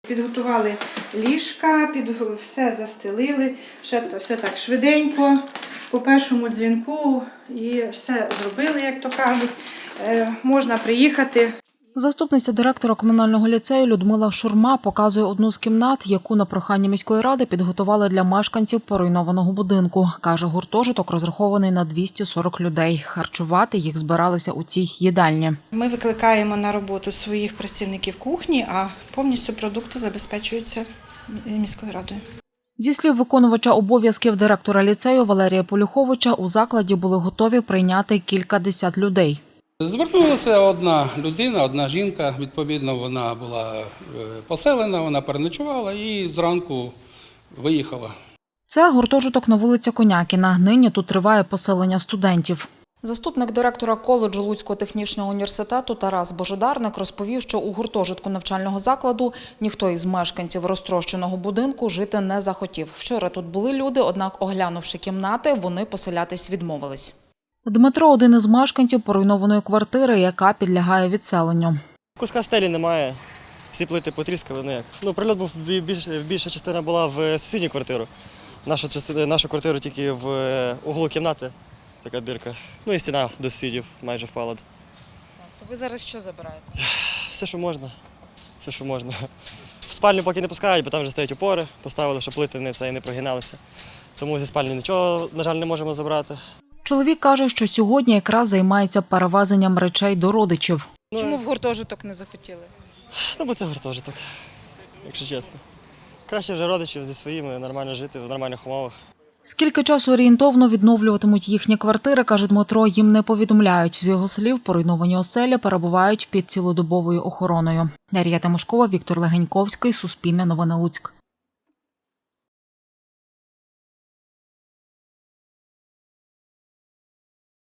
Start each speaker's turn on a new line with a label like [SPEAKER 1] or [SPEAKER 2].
[SPEAKER 1] Підготували ліжка, все застелили, все так швиденько, по першому дзвінку і все зробили, як то кажуть. Можна приїхати.
[SPEAKER 2] Заступниця директора комунального ліцею Людмила Шурма показує одну з кімнат, яку на прохання міської ради підготували для мешканців поруйнованого будинку. Каже, гуртожиток розрахований на 240 людей. Харчувати їх збиралися у цій їдальні.
[SPEAKER 1] Ми викликаємо на роботу своїх працівників кухні, а повністю продукти забезпечуються міською радою.
[SPEAKER 2] Зі слів виконувача обов'язків директора ліцею Валерія Полюховича, у закладі були готові прийняти кількадесят людей.
[SPEAKER 3] Звернулася одна людина, одна жінка, відповідно, вона була поселена, вона переночувала і зранку виїхала.
[SPEAKER 2] Це гуртожиток на вулиці Конякіна. Нині тут триває поселення студентів. Заступник директора коледжу Луцького технічного університету Тарас Божедарник розповів, що у гуртожитку навчального закладу ніхто із мешканців розтрощеного будинку жити не захотів. Вчора тут були люди, однак, оглянувши кімнати, вони поселятись відмовились. Дмитро – один із мешканців поруйнованої квартири, яка підлягає відселенню.
[SPEAKER 4] Куска стелі немає, всі плити потріскали. Прильот був, більша частина була в сусідню квартиру. Нашу квартиру тільки в углу кімнати, така дирка. І стіна до сусідів майже впала.
[SPEAKER 2] То ви зараз що забираєте?
[SPEAKER 4] Все, що можна. Все, що можна. В спальню поки не пускають, бо там вже стоять опори, поставили, щоб плити не прогиналися. Тому зі спальні нічого, на жаль, не можемо забрати.
[SPEAKER 2] Чоловік каже, що сьогодні якраз займається перевезенням речей до родичів.
[SPEAKER 5] Чому в гуртожиток не захотіли?
[SPEAKER 4] Бо це гуртожиток, якщо чесно. Краще вже родичів зі своїми, нормально жити в нормальних умовах.
[SPEAKER 2] Скільки часу орієнтовно відновлюватимуть їхні квартири, каже Дмитро, їм не повідомляють. З його слів, поруйновані оселі перебувають під цілодобовою охороною. Дар'я Тимошкова, Віктор Легеньковський, Суспільне новини Луцьк.